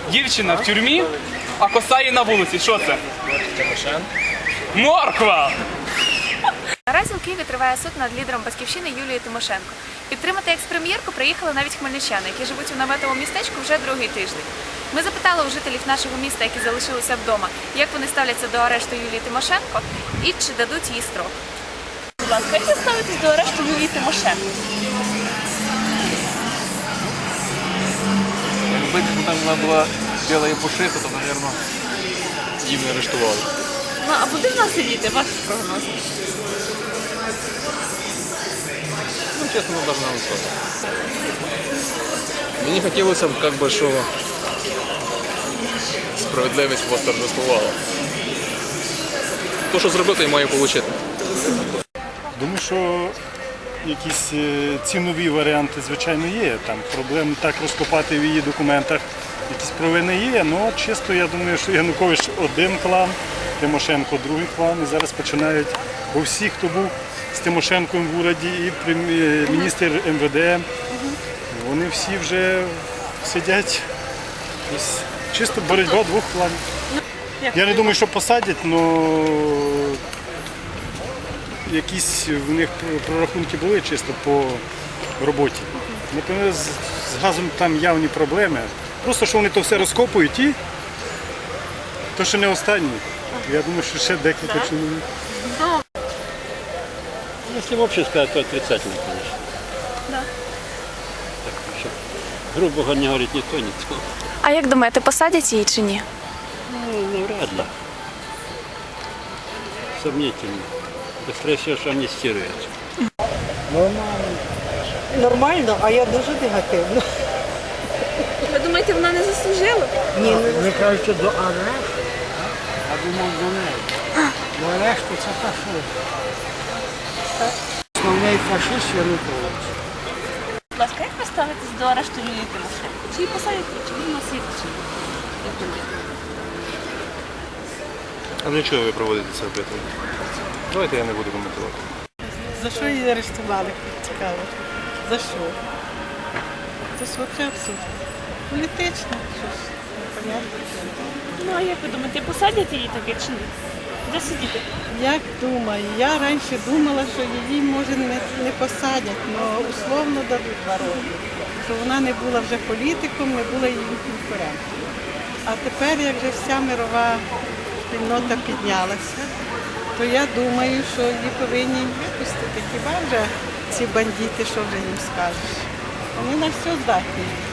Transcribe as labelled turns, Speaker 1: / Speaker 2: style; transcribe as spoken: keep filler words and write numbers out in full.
Speaker 1: Дівчина в тюрмі, а коса її на вулиці. Що це? Морква!
Speaker 2: Наразі у Києві триває суд над лідером Батьківщини Юлією Тимошенко. Підтримати екс-прем'єрку приїхали навіть хмельничани, які живуть у наметовому містечку вже другий тиждень. Ми запитали у жителів нашого міста, які залишилися вдома, як вони ставляться до арешту Юлії Тимошенко і чи дадуть їй строк. Будь ласка, як ви ставитесь до арешту Юлії Тимошенко?
Speaker 3: Якби там вона була біла і пушиста, то, мабуть, їм не арештували.
Speaker 2: Ну, а буде вона сидіти, ваш прогноз?
Speaker 3: Ну, чесно, вона должна висоти. Мені хотілося б, як би, що справедливість восторжествувала. То, що зробити, я маю отримати.
Speaker 4: Думаю, що якісь цінові варіанти, звичайно, є. Там проблем так розкопати в її документах, якісь провини є, але чисто я думаю, що Янукович один клан, Тимошенко другий клан, і зараз починають, бо всі, хто був з Тимошенком в уряді, і міністр ем ве де, вони всі вже сидять. Чисто боротьба двох кланів. Я не думаю, що посадять, але якісь в них прорахунки були чисто по роботі. Напевно, з газом там явні проблеми. Просто, що вони то все розкопують і то, що не останні. Я думаю, що ще декілька чоловік.
Speaker 5: Если вообще сказать, то отрицательно, конечно.
Speaker 2: Да.
Speaker 5: Так, щоб, грубо говоря, не говорить ни то, ни то.
Speaker 2: А як думаєте, посадять її чи ні?
Speaker 5: Ну, ну, вряд ли. Сомнительно. Быстрее всего, что амнистируют.
Speaker 6: Нормально. Нормально, а я дуже негативно.
Speaker 2: Ви думаєте, вона не заслужила?
Speaker 6: Ні,
Speaker 7: Ви кажете до арешту, а думав до неї. До арешту це фашист. Основний фашист Янукович.
Speaker 2: Будь ласка, як ви ставитесь до арешту Юлії Тимошенко? Чи її посадять, чи ви носите, чи ні?
Speaker 3: А для чого ви проводите це опитування? Давайте я не буду коментувати.
Speaker 6: За що її арештували? Цікаво. За що? Це ж взагалі абсурд. Політично. Щось непонятно.
Speaker 2: Ну, а як ви думаєте, посадять її таки чи ні? Де сидіти?
Speaker 6: Як думаю, я раніше думала, що її може не, не посадять, але условно дадуть два роки. Що вона не була вже політиком, не була її конкурентом. А тепер, як вже вся мирова спільнота піднялася, то я думаю, що її повинні випустити. Хіба вже ці бандити, що вже їм скажеш? Вони на все здатні.